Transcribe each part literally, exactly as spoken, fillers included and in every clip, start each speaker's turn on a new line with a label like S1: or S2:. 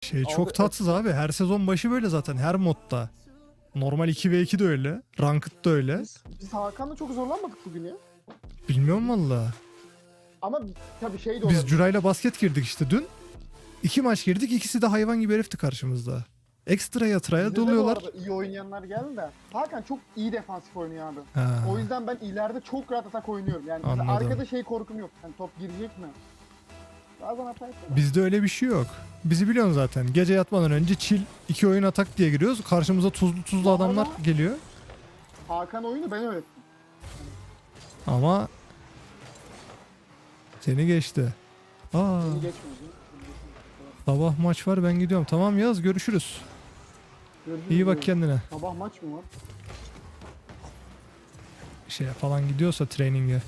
S1: Şey
S2: Abi,
S1: çok tatsız abi. Her sezon başı böyle zaten. Her modda. Normal iki ve iki de öyle. Ranked da öyle.
S2: Biz, biz Hakan'la çok zorlanmadık bugün ya.
S1: Bilmiyorum valla.
S2: Ama tabii şey de
S1: Biz
S2: olabilir.
S1: Curay'la basket girdik işte dün. İki maç girdik. İkisi de hayvan gibi herifti karşımızda. Ekstra yatıraya
S2: Bizde de bu
S1: doluyorlar.
S2: arada iyi oynayanlar geldi de. Hakan çok iyi defansif oynuyor abi.
S1: Ha.
S2: O yüzden ben ileride çok rahat atak oynuyorum. Yani mesela
S1: Anladım.
S2: arkada şey korkum yok. Yani top girecek mi? Bazen hata yapıyor.
S1: Bizde öyle bir şey yok. Bizi biliyorsun zaten. Gece yatmadan önce chill iki oyun atak diye giriyoruz. Karşımıza tuzlu tuzlu
S2: Bu
S1: adamlar
S2: arada-
S1: geliyor.
S2: Hakan oyunu ben öğrettim.
S1: Ama seni geçti. Aa,
S2: Beni geçmedi.
S1: sabah maç var, ben gidiyorum. Tamam Yaz, görüşürüz.
S2: Görüşürüz
S1: İyi bak
S2: diyorum.
S1: kendine.
S2: Sabah maç mı var?
S1: Şeye falan gidiyorsa traininge.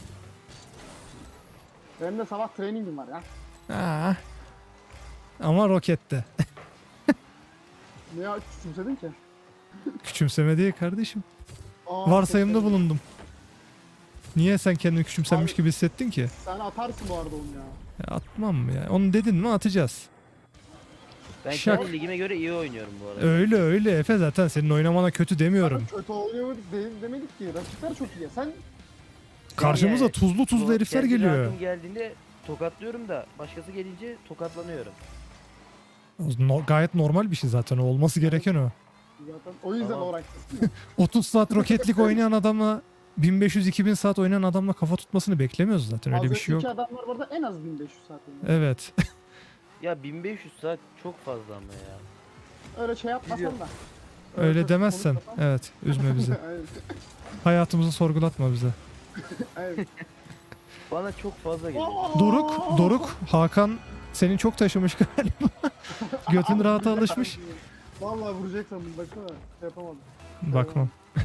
S2: Benim de sabah trainingim var ya.
S1: Aa. Ama rokette.
S2: Niye küçümsedin ki?
S1: Küçümseme değil kardeşim.
S2: Aa,
S1: Varsayımda
S2: çok
S1: bulundum. Niye sen kendini küçümsenmiş
S2: Abi-
S1: gibi hissettin ki?
S2: Sen atarsın bu arada onu ya.
S1: Ya atmam mı ya? Onu dedin mi atacağız.
S3: Ben
S1: Şak.
S3: kendi ligime göre iyi oynuyorum bu arada.
S1: Öyle öyle Efe, zaten senin oynamana kötü demiyorum.
S2: Sana kötü oynamadık değil, demedik ki. Rakipler çok iyi. Sen
S1: Karşımıza
S3: Yani-
S1: tuzlu tuzlu
S3: Bu
S1: herifler
S3: kendi
S1: geliyor.
S3: rankım geldiğinde tokatlıyorum da başkası gelince tokatlanıyorum.
S1: No- gayet normal bir şey zaten, o olması gereken o.
S2: zaten o yüzden
S3: Tamam.
S2: o ranktasın.
S1: otuz saat roketlik oynayan adamla bin beş yüz iki bin saat oynayan adamla kafa tutmasını beklemiyoruz zaten, öyle bir şey yok.
S2: İki adamlar burada en az bin beş yüz saat oynuyor.
S1: Evet.
S3: Ya bin beş yüz saat çok fazla ama ya.
S2: Öyle şey yapmasan
S3: Biliyorum.
S2: da.
S1: Öyle
S2: çok
S1: demezsen.
S2: konuşmasan.
S1: Evet, üzme bizi.
S2: Aynen,
S1: Hayatımızı sorgulatma bize.
S2: aynen.
S3: Bana çok fazla geliyor.
S1: Doruk, Doruk, Hakan senin çok taşımış galiba. Götün
S2: Abi,
S1: rahata
S2: vuracak
S1: alışmış.
S2: sandım. Vallahi vuracak sandım baksana. Şey yapamadım.
S1: Bakmam.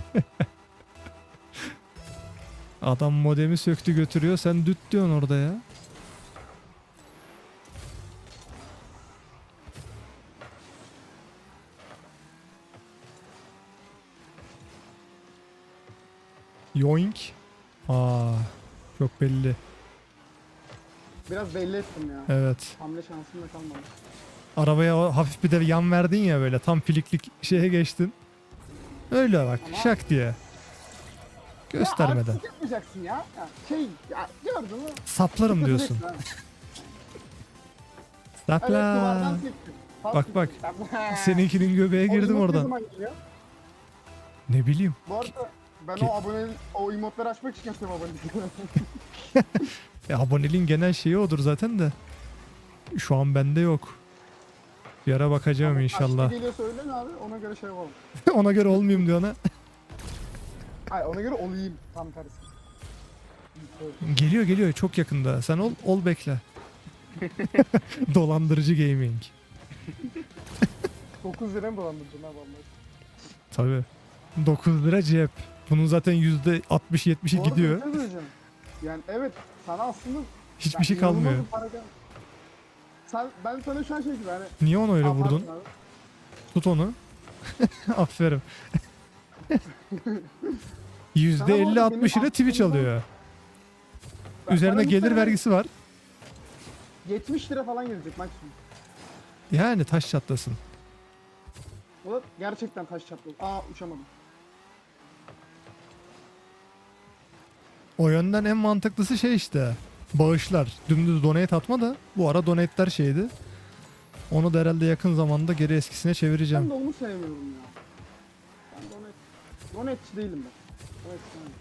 S1: Adam modemi söktü götürüyor, sen düt diyorsun orada ya. Yoink. Aa, çok belli.
S2: Biraz belli ettim ya.
S1: Evet.
S2: Hamle şansım da kalmadı.
S1: Arabaya o hafif bir de yan verdin ya, böyle tam filiklik şeye geçtin. Öyle bak,
S2: Ama-
S1: şak diye. Göstermeden.
S2: Ya artistik yapmayacaksın ya. ya şey ya gördün mü?
S1: Saplarım diyorsun.
S2: Tutacaksın ha. Evet duvardan
S1: Sapla.
S2: sektim. Pas
S1: Bak, bak.
S2: sektim. Sapla.
S1: Seninkinin göbeğe
S2: O
S1: girdim
S2: emote ne
S1: oradan.
S2: zaman geliyor?
S1: Ne bileyim.
S2: Bu arada ben
S1: Ki-
S2: o abone o emotları açmak için yapıyorum abonelikleri.
S1: Ya aboneliğin genel şeyi odur zaten de. Şu an bende yok. Bir ara bakacağım inşallah.
S2: Kaçta geliyorsa öyle mi abi? Ona göre şey yapalım.
S1: Ona göre olmayayım diyor ona.
S2: Hayır ona göre olayım tam tersi.
S1: Geliyor geliyor, çok yakında. Sen ol ol bekle. Dolandırıcı gaming.
S2: dokuz lira mı dolandırıcı ne vallahi.
S1: Tabii. dokuz lira cep. Bunun zaten yüzde altmış yetmişi
S2: Bu arada
S1: gidiyor.
S2: bir şey söyleyeceğim. Yani evet sana aslında
S1: Hiçbir
S2: yani
S1: şey
S2: inanılmaz
S1: kalmıyor.
S2: bir para gel- Sen, ben sana şu an şey gibi hani
S1: Niye onu öyle
S2: Aa,
S1: vurdun?
S2: pardon abi.
S1: Tut onu. Aferin.
S2: Sana
S1: yüzde
S2: bu
S1: elli
S2: arada
S1: altmış
S2: benim
S1: ile Twitch
S2: aklımdan-
S1: alıyor.
S2: Ben-
S1: Üzerine
S2: bana
S1: gelir
S2: muhtemelen
S1: vergisi var.
S2: yetmiş lira falan gelecek maksimum.
S1: Yani taş çatlasın.
S2: O da gerçekten taş çatladı. Aa uçamadım.
S1: O yönden en mantıklısı şey işte. Bağışlar. Dümdüz donate atma da. Bu ara donate'ler şeydi. Onu da herhalde yakın zamanda geri eskisine çevireceğim.
S2: Ben de onu sevmiyorum ya. Ben donet, donetçi değilim ben. Donet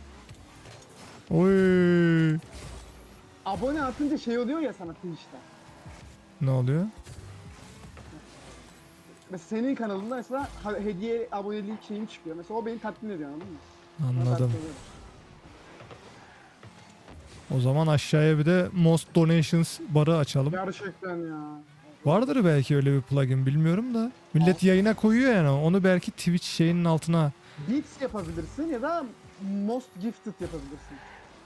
S2: sevmiyorum.
S1: Oy.
S2: Abone atınca şey oluyor ya sana Twitch'te.
S1: Ne oluyor?
S2: Mesela senin kanalında mesela ha- hediye abonelik şeyim çıkıyor. Mesela o beni tatmin ediyor anladın mı? Ona ben
S1: Anladım.
S2: seviyorum.
S1: O zaman aşağıya bir de Most Donations barı açalım.
S2: Gerçekten ya.
S1: Vardır belki öyle bir plugin, bilmiyorum da. Millet yayına koyuyor yani, onu belki Twitch şeyinin altına.
S2: Beats yapabilirsin ya da Most Gifted yapabilirsin.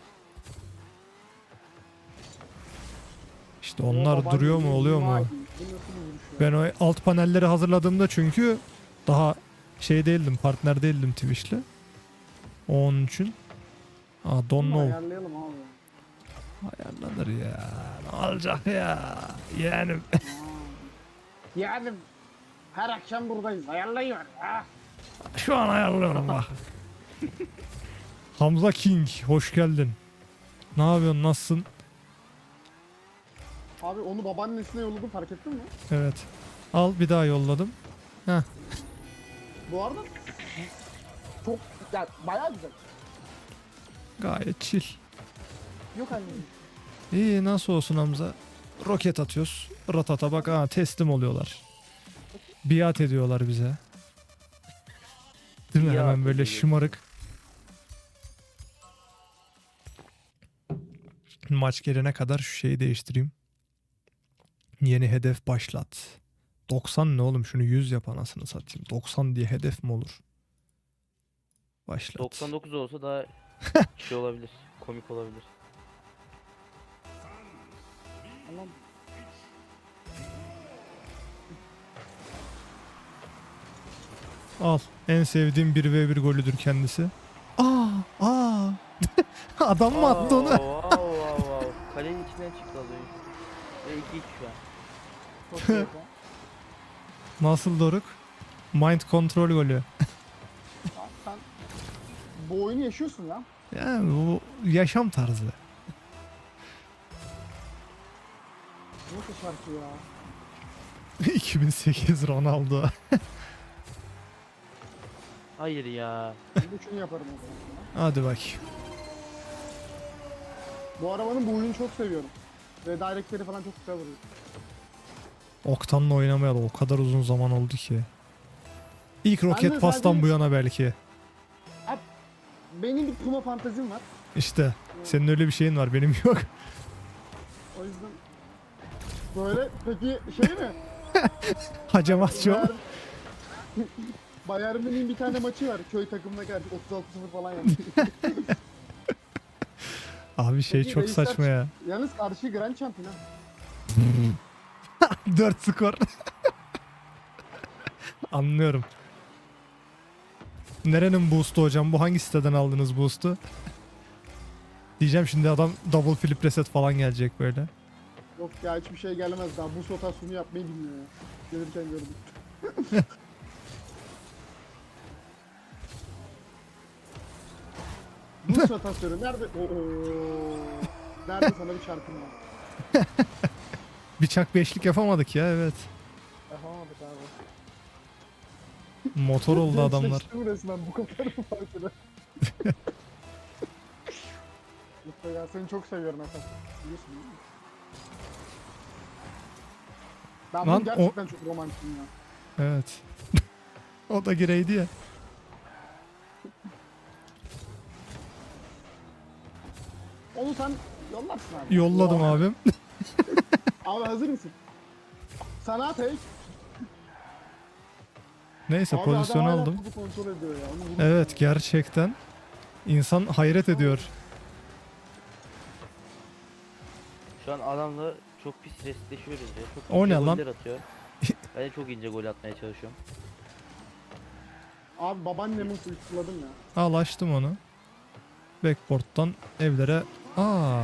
S1: İşte onlar
S2: O
S1: duruyor
S2: bence
S1: mu, oluyor
S2: vay,
S1: mu?
S2: bu nasıl bir vuruş ya?
S1: Ben o alt panelleri hazırladığımda çünkü daha şey değildim, partner değildim Twitch'le. Onun için. Aa, don't
S2: Bunu
S1: know.
S2: ayarlayalım abi.
S1: Ayarlanır ya. Ne olacak ya? Yani
S2: Aa. Yani Her akşam buradayız. Ayarlayıver ya.
S1: Şu an ayarlıyorum bak. Hamza King hoş geldin. Ne yapıyorsun, nasılsın?
S2: Abi onu babaannesine yolladım, fark ettin mi?
S1: Evet. Al bir daha yolladım. Heh.
S2: Bu arada çok ya bayağı güzel.
S1: Gayet chill.
S2: Yok anneciğim.
S1: İyi, nasıl olsun Hamza? Roket atıyoruz. Ratata bak, ha teslim oluyorlar. Biat ediyorlar bize. Değil mi?
S3: Biat
S1: Hemen böyle
S3: ediyor.
S1: şımarık. Maç gelene kadar şu şeyi değiştireyim. Yeni hedef başlat. doksan ne oğlum, şunu yüz yap anasını satayım. doksan diye hedef mi olur? Başlat.
S3: doksan dokuz olsa daha şey olabilir. Komik olabilir.
S2: Tamam.
S1: Al. En sevdiğim bir ve bir golüdür kendisi. Aa, aa. Adam mı attı onu?
S3: Wow wow wow. Kalenin içinden çıktı az önce. Ve iki iki şu an.
S2: Çok iyi ya.
S1: Nasıl Doruk? Mind control golü.
S2: Abi sen bu oyunu yaşıyorsun ya.
S1: Yani bu yaşam tarzı.
S2: Nasıl şarkı ya?
S1: iki bin sekiz Ronaldo.
S3: Hayır ya.
S2: Ben de şunu yaparım o zaman.
S1: Hadi bak.
S2: Bu arabanın bu oyunu çok seviyorum. Ve directleri falan çok güzel vuruyor.
S1: Oktan'la oynamayalı o kadar uzun zaman oldu ki. İlk
S2: de
S1: roket pastan
S2: zaten-
S1: bu yana belki.
S2: Benim bir Puma fantazim var.
S1: İşte senin öyle bir şeyin var, benim yok.
S2: O yüzden böyle peki şey mi?
S1: Hacamat çok.
S2: Bayern- Bayern Münih'in bir tane maçı var. Köy takımına karşı otuz altı sıfır falan yaptı.
S1: Abi şey
S2: Peki
S1: çok
S2: reisler
S1: saçma ya.
S2: Yalnız karşı Grand Champion ha.
S1: dört skor. Anlıyorum. Nerenin boost'u hocam? Bu hangi siteden aldınız boost'u? Diyeceğim şimdi adam double flip reset falan gelecek böyle.
S2: Yok ya, hiçbir şey gelmez daha. Bu rotasyonu yapmayı bilmiyor ya. Gelirken gördüm. Bu rotasyonu nerede? Oo. Nerede sana bir şarkım var?
S1: Bıçak beşlik yapamadık ya, evet.
S2: Yapamadık abi.
S1: Motor oldu adamlar.
S2: Gençleştim resmen bu kadar mı farkına? Lütfen ya, seni çok seviyorum efendim. Biliyorsun değil mi? Ben
S1: Lan
S2: bunu gerçekten çok romantikim ya.
S1: Evet. O da gireydi ya.
S2: Onu sen yollarsın abi.
S1: Yolladım
S2: Oha.
S1: abim.
S2: Abi hazır mısın? Sana tek.
S1: Neyse
S2: Abi
S1: pozisyonu
S2: adam hala
S1: aldım.
S2: topu kontrol ediyor ya. Onu vurmuş
S1: Evet,
S2: ya.
S1: gerçekten. İnsan hayret ediyor.
S3: Şu an adamla çok pis restleşiyoruz ya. Çok
S1: O
S3: ince
S1: ne lan?
S3: goller atıyor. Ben de çok ince gol atmaya çalışıyorum.
S2: Abi babaannemi suçladım ya.
S1: Al, açtım onu. Backboard'dan evlere. Aa,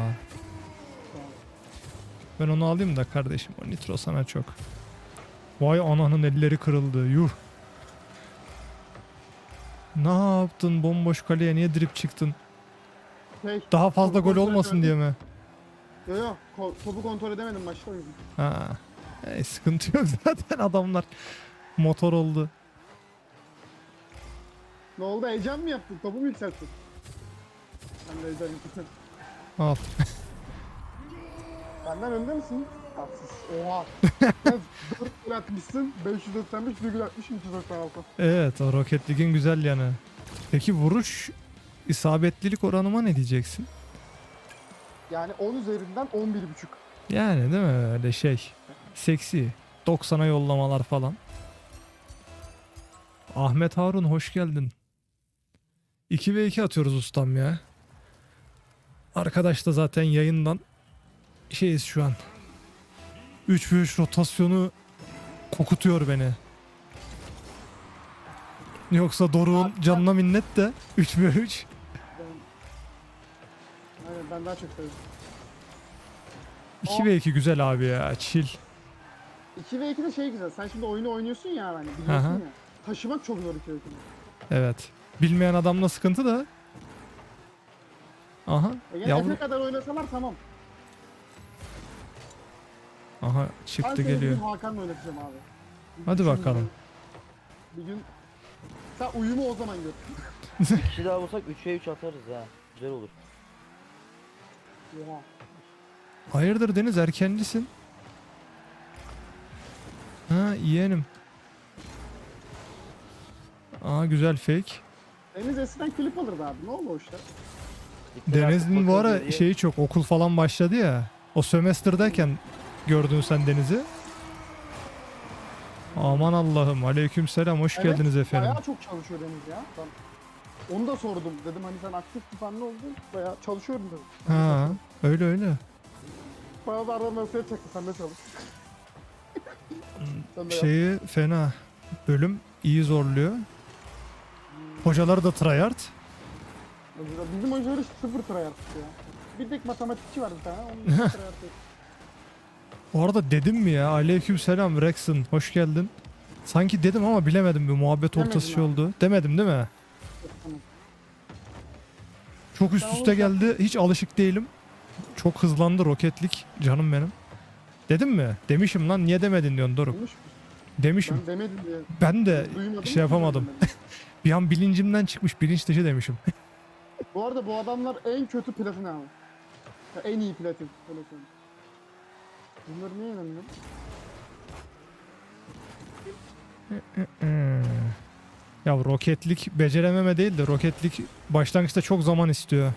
S1: ben onu alayım da kardeşim. O nitro sana çok. Vay ananın elleri kırıldı. Yuh. Ne yaptın bomboş kaleye, niye drip çıktın?
S2: Şey,
S1: Daha fazla
S2: topu
S1: gol
S2: kontrol
S1: olmasın
S2: edemedim.
S1: diye mi?
S2: Yok yok, ko- topu kontrol edemedim maçta, o yüzden.
S1: Ha. E, sıkıntı yok zaten, adamlar motor oldu.
S2: Ne oldu, heyecan mı yaptın? Topu mu yükselttin? Ben de heyecan yaptım.
S1: Al.
S2: Benden önde misin? Tatsız. Oha. Sen dört gol atmışsın. beş yüz doksan beş, bir gol atmışsın. üç yüz doksan altı.
S1: Evet, o Rocket League'in güzel yanı. Peki vuruş isabetlilik oranıma ne diyeceksin?
S2: Yani on üzerinden on bir buçuk.
S1: Yani değil mi, öyle şey. Seksi. doksana yollamalar falan. Ahmet Harun hoş geldin. iki ve iki atıyoruz ustam ya. Arkadaş da zaten yayından şeyiz şu an. üç ve üç rotasyonu kokutuyor beni. Yoksa Doruk'un canına minnet de üç ve üç.
S2: Ben... Aynen, ben daha çok sevdim.
S1: iki ve iki güzel abi ya, chill.
S2: iki ve ikide şey güzel. Sen şimdi oyunu oynuyorsun ya hani biliyorsun
S1: Aha.
S2: ya. Taşımak çok zor iki ve ikide.
S1: Evet. Bilmeyen adamla sıkıntı da. Aha.
S2: E yani
S1: Yavru.
S2: ne kadar oynasalar tamam.
S1: Aha
S2: Ben
S1: çıktı
S2: seni bir
S1: geliyor.
S2: gün Hakan'la oynatacağım abi. Bir
S1: Hadi
S2: düşün
S1: bakalım.
S2: Bir gün sen uyumu o zaman gör.
S3: Bir kişi daha bulsak üç ve üç atarız ha. Güzel olur.
S2: Oha.
S1: Hayırdır Deniz, erkencisin. Ha yeğenim. Aa güzel fake.
S2: Deniz eskiden klip alırdı abi. Ne oldu o işler?
S3: Dikkat
S1: Deniz'in
S3: artık
S1: bu
S3: bakıyor
S1: ara
S3: geriye.
S1: şeyi çok, okul falan başladı ya. O sömestr'dayken gördün sen Deniz'i. Aman Allah'ım, aleykümselam, hoş
S2: Evet,
S1: geldiniz efendim.
S2: Bayağı çok çalışıyor Deniz ya. Ben onu da sordum. Dedim hani sen aktif bir fan ne oldun? Bayağı çalışıyorum dedim.
S1: Ha öyle öyle.
S2: Bana da arada mesaj çaktı. Sen de çalış. Sen de yap.
S1: Şeyi fena. Bölüm iyi zorluyor. Hocalar da tryhard.
S2: Mesela bizim hocalar hiç sıfır tryhard ya. Bir tek matematikçi var bir tane. Onun için tryhard yok.
S1: Bu arada dedim mi ya, aleykümselam Rexon, hoş geldin. Sanki dedim ama bilemedim, bir muhabbet
S2: Demedin
S1: ortası şey
S2: abi.
S1: oldu. Demedim değil mi?
S2: Tamam.
S1: Çok üst
S2: Sen
S1: üste
S2: olursa-
S1: geldi. Hiç alışık değilim. Çok hızlandı roketlik canım benim. Dedim mi? Demişim lan, niye demedin diyorsun Doruk.
S2: Demiş mi?
S1: Demişim.
S2: Ben demedim diye.
S1: Ben de
S2: Duymadım.
S1: şey yapamadım. Bir an bilincimden çıkmış, bilinç dışı demişim.
S2: Bu arada bu adamlar en kötü platin abi. Ya en iyi platin. Öyle söyleyeyim. Bunları niye inanıyorum?
S1: Hmm. Ya roketlik becerememe değil de roketlik başlangıçta çok zaman istiyor.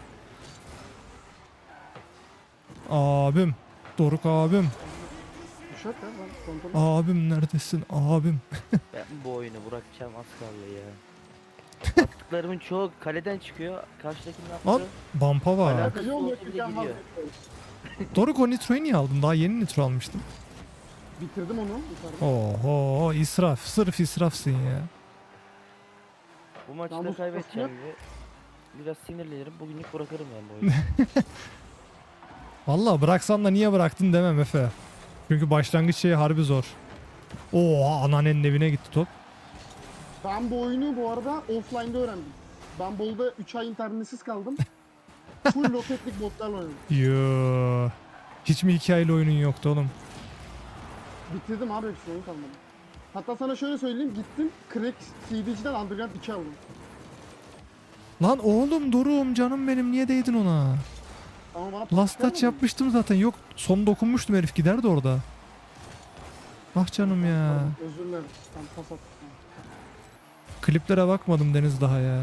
S1: Abim. Doruk abim.
S2: Uşak ya ben kontrol
S1: Abim neredesin abim.
S3: Ben bu oyunu bırakacağım az kaldı ya. Attıklarımın çoğu kaleden çıkıyor. Karşıdakinin
S1: Al.
S3: attığı
S1: Bampa var.
S3: Alakası
S2: Yol
S3: olsa
S2: yakırken
S3: bile gidiyor.
S2: vazgeçiyorum.
S1: Doruk, o nitroyu niye aldın? Daha yeni nitro almıştım.
S2: Bitirdim onu yukarıda.
S1: Oho, israf. Sırf israfsın ya.
S3: Bu maçta
S2: Namus
S3: kaybedeceğim
S2: basıyor.
S3: gibi. Biraz sinirlenirim. Bugünlük bırakırım ben bu oyunu.
S1: Vallahi bıraksan da niye bıraktın demem Efe. Çünkü başlangıç şeyi harbi zor. Oha, anneannenin evine gitti top.
S2: Ben bu oyunu bu arada offline'da öğrendim. Ben Bolu'da üç ay internetsiz kaldım. Full roketlik botlarla oynadım.
S1: Yoo. Hiç mi hikayeli oyunun yoktu oğlum?
S2: Bitirdim abi hepsini oyun kalmadı. Hatta sana şöyle söyleyeyim gittim Crack C D'ciden Underground iki aldım.
S1: Lan oğlum Dorum, canım benim, niye değdin ona?
S2: Ama bana
S1: Last
S2: pas
S1: touch
S2: gelmedi.
S1: yapmıştım zaten. Yok, son dokunmuştum, herif giderdi orada. Ah canım ya.
S2: Pardon, özür dilerim. Ben pas attım.
S1: Kliplere bakmadım Deniz daha ya.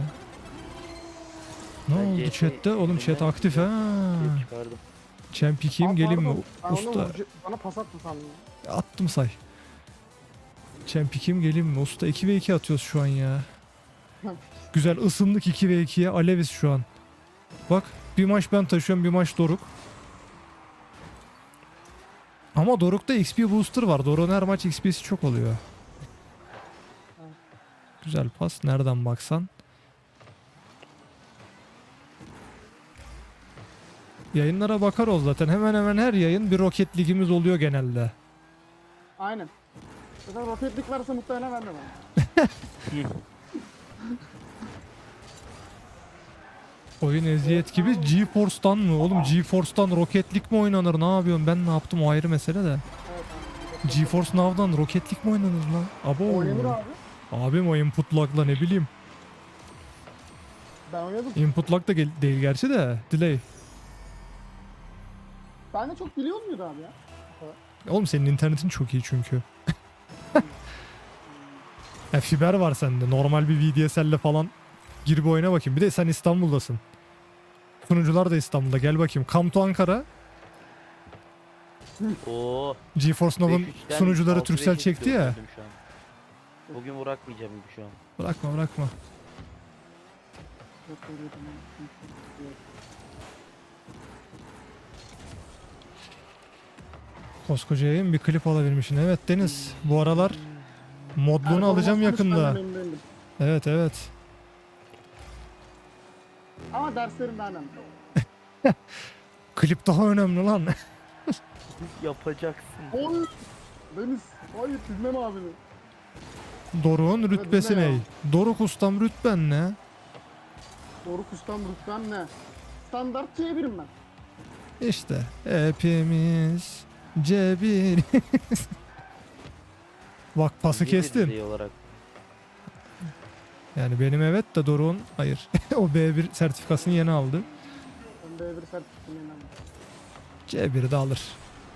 S1: Ne
S3: Ben
S1: oldu
S3: C S
S1: chatte? Oğlum chat
S3: yüzünden
S1: aktif ha.
S3: Şey çıkardım.
S1: Champ ikiyim,
S2: Aa,
S1: geleyim mi?
S2: pardon, ben onu
S1: Usta.
S2: vurca- Bana pas attı sandım.
S1: Attım say. Champ ikiyim, geleyim mi? Usta iki ve iki atıyoruz şu an ya. Güzel ısındık iki ve ikiye. Aleviz şu an. Bak, bir maç ben taşıyorum, bir maç Doruk. Ama Doruk'ta X P booster var. Doruk'un her maç X P'si çok oluyor. Güzel pas. Nereden baksan. Yayınlara bakar ol zaten. Hemen hemen her yayın bir roket ligimiz oluyor genelde.
S2: Aynen. Zaten roketlik varsa muhtemelen ben de varım.
S1: Oyun eziyet gibi. GeForce'dan mı? Oğlum GeForce'dan roketlik mi oynanır? Ne yapıyorum? Ben ne yaptım? O ayrı mesele de.
S2: Evet abi.
S1: GeForce Now'dan roketlik mi oynanır lan? Abo.
S2: Oynanır abi.
S1: Abim o input lag'la ne bileyim.
S2: Ben oynadım.
S1: Input lag da gel- değil gerçi de. Delay.
S2: Ben de çok biliyor muydu abi ya?
S1: Oğlum senin internetin çok iyi çünkü. Ya fiber var sende. Normal bir V D S L'le falan gir bir oyuna bakayım. Bir de sen İstanbul'dasın. Sunucular da İstanbul'da. Gel bakayım. Come to Ankara.
S3: Oo.
S1: GeForce Now'ın
S3: beş üçten
S1: sunucuları
S3: altı
S1: Turkcell
S3: beşe
S1: çekti ya.
S3: döndüm şu an. Bugün bırakmayacağım gibi şu an.
S1: Bırakma bırakma.
S2: Yok, öyle değil. Yok.
S1: Koskoca yayın bir klip alabilmişsin. Evet Deniz. Bu aralar modluğunu alacağım
S2: Performans
S1: yakında.
S2: konusunda memnun değilim.
S1: Evet evet.
S2: Ama derslerim daha önemli.
S1: Klip daha önemli lan.
S3: Yapacaksın.
S2: Oy! Deniz. Hayır dinleme abini.
S1: Doruk'un rütbesi
S2: ne ya?
S1: ne? Doruk ustam rütben ne?
S2: Doruk ustam rütbem ne? Standart C birim ben.
S1: İşte hepimiz C bir. Bak pası
S3: Niye
S1: kestin.
S3: düzey olarak?
S1: Yani benim evet de Doruk'un hayır. O B bir sertifikasını yeni aldı.
S2: Ben B bir sertifikatım yeniden.
S1: C biri de alır.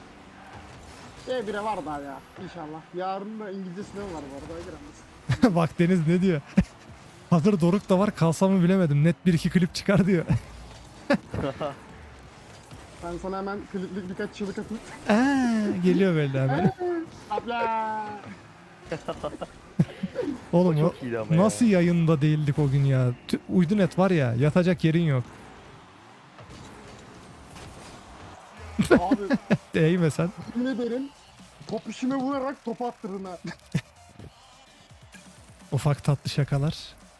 S2: C bire var daha ya inşallah. Yarın da İngilizce sınavı var bu arada giremez.
S1: Bak Deniz ne diyor? Hazır Doruk da var kalsam mı bilemedim. Net bir iki klip çıkar diyor.
S2: Ben sana hemen kliplik birkaç çığlık atayım.
S1: Aa, geliyor böyle hemen.
S2: Abla.
S1: Oğlum
S3: O
S1: o
S3: çok iyiydi ama ya.
S1: nasıl yayında değildik o gün ya. Tü- Uydu net var ya yatacak yerin yok.
S2: Abi
S1: Değme sen.
S2: yemin ederim top işime vurarak top attırın ha.
S1: Ufak tatlı şakalar.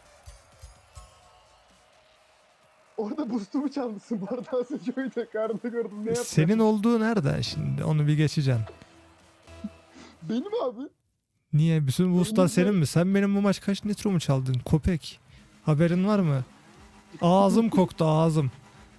S2: Orada boostumu çalmışsın bu arada az önce oydu. Karnında gördüm ne yaptın?
S1: Senin olduğu nerede şimdi? Onu bir geçeceksin.
S2: Benim abi.
S1: Niye? Bütün boostlar
S2: Benim
S1: senin
S2: de-
S1: mi? Sen benim bu maç kaç nitro mu çaldın? Köpek. Haberin var mı? Ağzım koktu ağzım.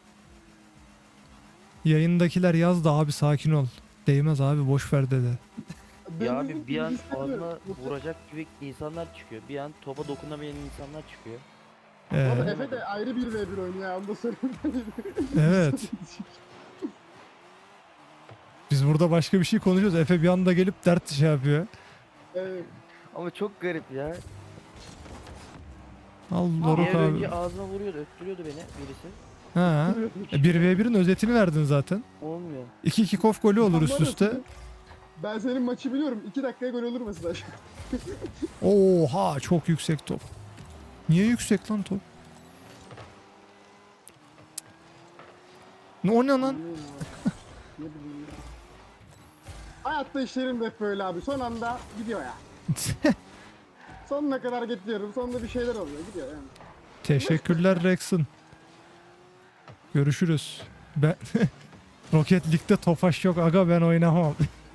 S1: Yayındakiler yazdı abi sakin ol. Değmez abi boş ver dedi.
S3: Ya
S2: Deniz'in
S3: abi bir an
S2: İngilizce
S3: ağzına
S2: sınavı.
S3: vuracak gibi insanlar çıkıyor. Bir an topa dokunamayan insanlar çıkıyor.
S2: Bu arada
S1: Ee,
S2: Efe de ayrı bir ve bir oynuyor ya onu da söyleyeyim.
S1: evet. Biz burada başka bir şey konuşuyoruz. Efe bir anda gelip dert şey yapıyor.
S2: Evet.
S3: Ama çok garip ya.
S1: Al
S3: Bir
S1: Doruk
S3: ev önce
S1: abi.
S3: ağzına vuruyordu, öttürüyordu beni birisi.
S1: Ha. bir ve birin özetini verdin zaten.
S3: Olmuyor.
S1: iki iki kof golü olur
S2: Ben
S1: üst
S2: var ya,
S1: üste.
S2: Ben senin maçı biliyorum. iki dakikaya gol olur mesela.
S1: Oha çok yüksek top. Niye yüksek lan top? Ne o ne lan?
S2: Ne bileyim ya. Hayatta işlerim de hep böyle abi. Son anda gidiyor ya. Sonuna kadar getiriyorum. Sonunda bir şeyler oluyor. Gidiyor yani.
S1: Teşekkürler Rex'in. Görüşürüz. Ben Rocket League'de Tofaş yok aga ben oynamam.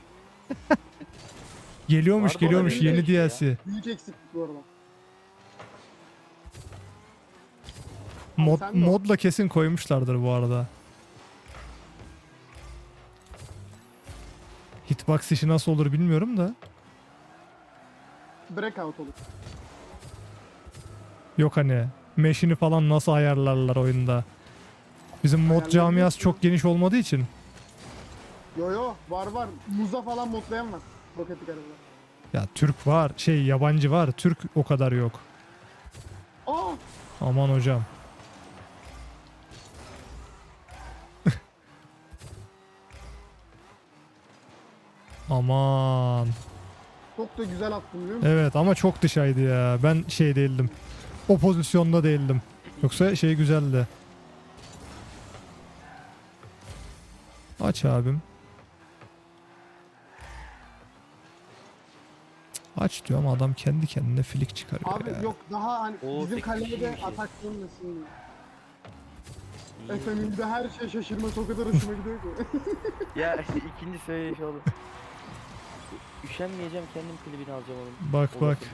S1: Geliyormuş
S3: Vardı
S1: geliyormuş
S3: olabilir
S1: yeni
S3: belki ya.
S1: D L C.
S2: Büyük eksiklik bu arada.
S1: Mod,
S2: sen de o.
S1: modla kesin koymuşlardır bu arada. Hitbox işi nasıl olur bilmiyorum da.
S2: Breakout olur.
S1: Yok hani mesh'ini falan nasıl ayarlarlar oyunda. Bizim mod
S2: Ayarlayabiliyorsun.
S1: camiası çok geniş olmadığı için.
S2: Yo yo var var. Muza falan modlayan var. Roketik arabada.
S1: Ya Türk var şey yabancı var Türk o kadar yok.
S2: Aa!
S1: Aman hocam. Aman.
S2: Çok da güzel attım biliyor musun?
S1: Evet ama çok dışaydı ya. Ben şey değildim. O pozisyonda değildim. Yoksa şey güzeldi. Aç abim. Aç diyor ama adam kendi kendine flick çıkarıyor
S2: Abi
S1: ya.
S2: yok daha hani
S3: O
S2: bizim
S3: sekiz
S2: kalede
S3: kişiymiş ya.
S2: atak dönmesin diye.
S3: İyi.
S2: Efendim de her şey şaşırması o kadar hoşuma gidiyor ki.
S3: Ya ikinci söyleyiş oldu. Üşenmeyeceğim kendim klibini alacağım onun.
S1: Bak
S3: O
S1: bak.
S3: bakın.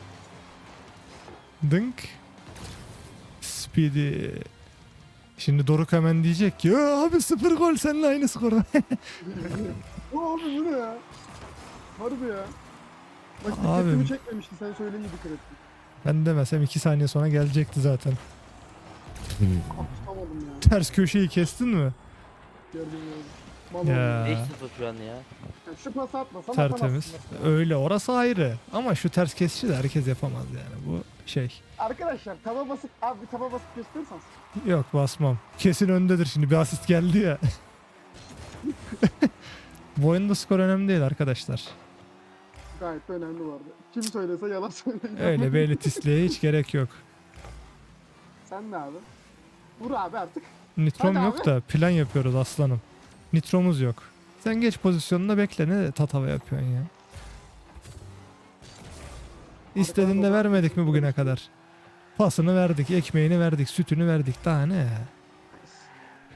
S1: Dınk. Speedy. Şimdi Doruk hemen diyecek ki "Ya abi sıfır gol seninle aynı skor."
S2: Aa, abi bu ne ya? Harbi ya. Bak
S1: Abim.
S2: dikkatimi çekmemişti sen söyleyince dikkat ettim.
S1: Ben demesem iki saniye sonra gelecekti zaten.
S2: Kapışamadım ya.
S1: Ters köşeyi kestin mi?
S2: Gördüm gördüm. Mal
S1: Ya.
S2: oldu.
S3: beş sıfır şu an ya.
S2: Yani şu pası atmasam
S1: Tertemiz.
S2: atamazsın.
S1: Öyle orası ayrı. Ama şu ters kesici de herkes yapamaz yani. Bu şey.
S2: Arkadaşlar taba basıp abi bir taba basıp gösterirseniz.
S1: Yok basmam. Kesin öndedir şimdi. Bir asist geldi ya. Bu oyunda skor önemli değil arkadaşlar.
S2: Gayet de önemli vardı. Kim söylese yalan söylüyor.
S1: Öyle bir elitistliğe hiç gerek yok.
S2: Sen de abi. Vur abi artık.
S1: Nitrom
S2: Hadi
S1: yok
S2: abi.
S1: da plan yapıyoruz aslanım. Nitromuz yok. Sen geç pozisyonuna bekle ne tatava yapıyorsun ya. İstediğinde
S2: baba-
S1: vermedik mi bugüne kadar? Pasını verdik, ekmeğini verdik, sütünü verdik. Daha ne ya?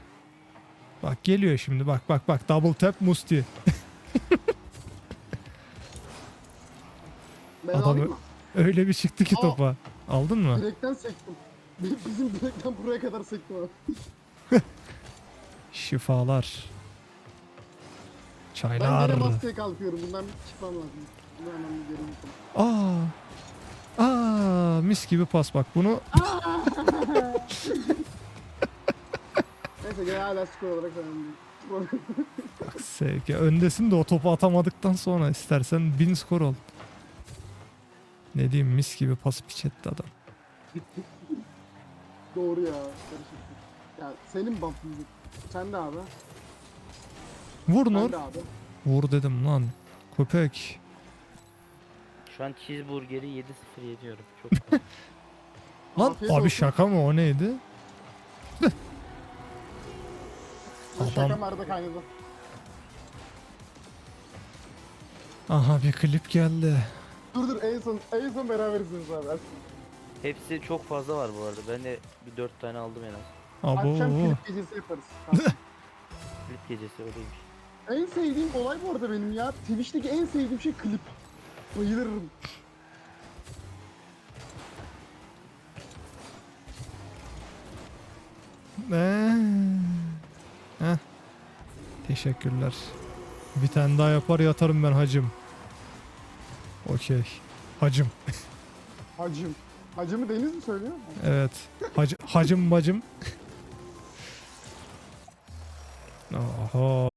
S1: Bak geliyor şimdi bak bak bak double tap Musti.
S2: Ben
S1: Adam
S2: alayım
S1: ö-
S2: mı?
S1: öyle bir çıktı ki
S2: Aa.
S1: topa. Aldın mı?
S2: Direkten sektim. Bizim direkten buraya kadar sektim abi.
S1: Şifalar.
S2: Ben
S1: Çaylar.
S2: gene maskeye kalkıyorum. Bundan bir çıkmam lazım. Bunu hemen bir geri yapalım.
S1: Aa. Aa, mis gibi pas bak bunu.
S2: Neyse gene hala skor olarak önemli.
S1: Bak sevgi. Öndesin de o topu atamadıktan sonra istersen bin skor ol. Ne diyeyim, mis gibi pas piç etti adam.
S2: Doğru ya. Karışık. Ya senin buff'ın. Sen de abi.
S1: Vur
S2: Ben
S1: Nur.
S2: de abi.
S1: Vur dedim lan. Köpek.
S3: Şu an cheeseburger'i yedi sıfır yediyorum. Çok fazla.
S1: Lan
S2: Afiyet
S1: abi
S2: olsun.
S1: şaka mı, o neydi?
S2: Bu Şaka
S1: Adam-
S2: merde kaynadı.
S1: Aha bir klip geldi.
S2: Dur dur en son en son berabersiniz abi.
S3: Hepsi çok fazla var bu arada. Ben de bir dört tane aldım en az.
S2: Akşam
S1: Abo.
S2: klip gecesi yaparız. Tamam.
S3: Klip gecesi öyleymiş.
S2: En sevdiğim olay bu arada benim ya. Twitch'teki en sevdiğim şey klip. Bayılırım.
S1: Ee, Heh. Teşekkürler. Bir tane daha yapar yatarım ben hacım. Okey. Hacım.
S2: Hacım. Hacımı Deniz mi söylüyor?
S1: Evet. Hac hacım bacım. Oho.